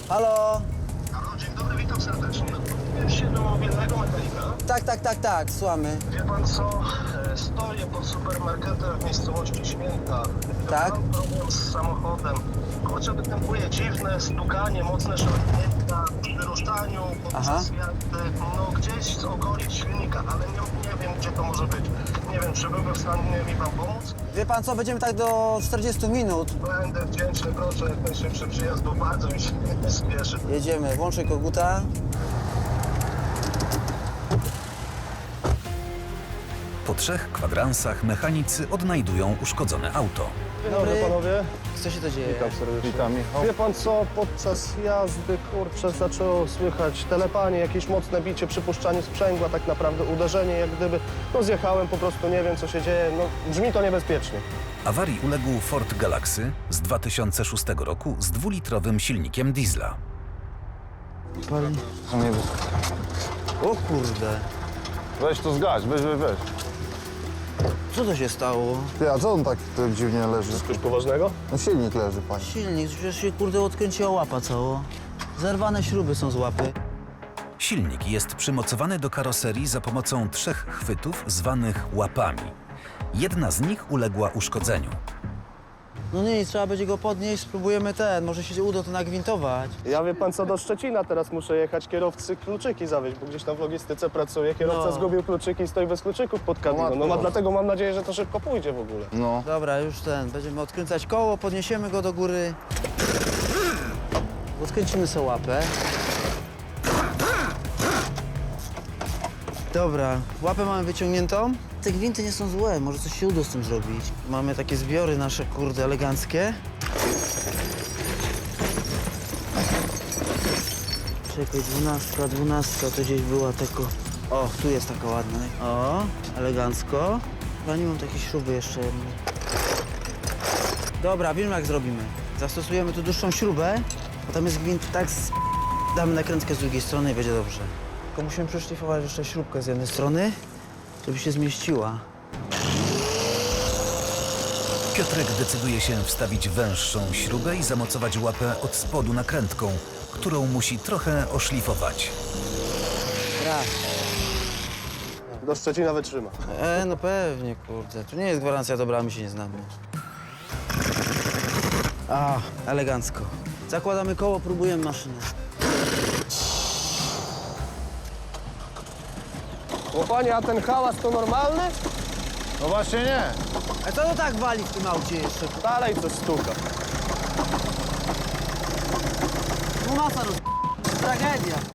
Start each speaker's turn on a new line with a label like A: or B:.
A: Halo?
B: Halo, dzień dobry, witam serdecznie. Odwołuję się do mobilnego mechanika.
A: Tak, słuchamy.
B: Wie pan co? Stoję pod supermarketem w miejscowości Śmięta.
A: Tak?
B: Mam problem z samochodem. Kurczę, występuje dziwne stukanie, mocne szarpnięcia przy wyruszaniu, podczas jazdy, no gdzieś z okolic silnika, ale nie wiem, gdzie to może być. Nie wiem, czy byłby w stanie mi pan pomóc?
A: Wie pan co, będziemy tak do 40 minut.
B: Będę wdzięczny, proszę, jak najszybszy przyjazd, bo bardzo mi się nie spieszy.
A: Jedziemy, włączę koguta.
C: Po 3 kwadransach mechanicy odnajdują uszkodzone auto.
D: Dzień dobry panowie.
A: Co się to dzieje?
D: Witam serdecznie. Witam, Michał. Wie pan co, podczas jazdy, kurczę, zaczęło słychać telepanie, jakieś mocne bicie, przypuszczanie sprzęgła, tak naprawdę uderzenie, jak gdyby, no zjechałem, po prostu nie wiem, co się dzieje, no brzmi to niebezpiecznie.
C: Awarii uległ Ford Galaxy z 2006 roku z 2-litrowym silnikiem diesla.
A: O kurde,
D: Weź to zgaś, weź.
A: co to się stało?
E: Ty, a co on tak dziwnie leży?
D: Coś poważnego?
E: No silnik leży, panie.
A: Silnik, przecież się kurde odkręciła łapa cało. Zerwane śruby są z łapy.
C: Silnik jest przymocowany do karoserii za pomocą 3 chwytów zwanych łapami. Jedna z nich uległa uszkodzeniu.
A: No nic, trzeba będzie go podnieść, spróbujemy może się uda to nagwintować.
D: Ja wie pan co, do Szczecina teraz muszę jechać, kierowcy kluczyki zawieźć, bo gdzieś tam w logistyce pracuję. Kierowca
A: No.
D: zgubił kluczyki i stoi bez kluczyków pod kabiną. No
E: matko.
D: dlatego mam nadzieję, że to szybko pójdzie w ogóle.
E: No.
A: Dobra, już będziemy odkręcać koło, podniesiemy go do góry. Odkręcimy sobie łapę. Dobra, łapę mamy wyciągniętą. Te gwinty nie są złe, może coś się uda z tym zrobić. Mamy takie zbiory nasze, kurde, eleganckie. Czekaj, 12, to gdzieś była tylko... O, tu jest taka ładna. O, elegancko. Chyba nie mam takiej śruby jeszcze jednej. Dobra, wiem jak zrobimy. Zastosujemy tu dłuższą śrubę, bo tam jest gwint tak damy nakrętkę z drugiej strony i będzie dobrze. Tylko musimy przeszlifować jeszcze śrubkę z jednej strony, żeby się zmieściła.
C: Piotrek decyduje się wstawić węższą śrubę i zamocować łapę od spodu nakrętką, którą musi trochę oszlifować.
A: Raz.
D: Do Szczecina wytrzyma.
A: No pewnie, kurde. Tu nie jest gwarancja dobra, my się nie znamy. A, elegancko. Zakładamy koło, próbujemy maszynę.
D: O panie, a ten hałas to normalny?
E: No właśnie nie.
A: A co to tak wali w tym aucie jeszcze?
D: Dalej coś stuka.
A: No masa Tragedia.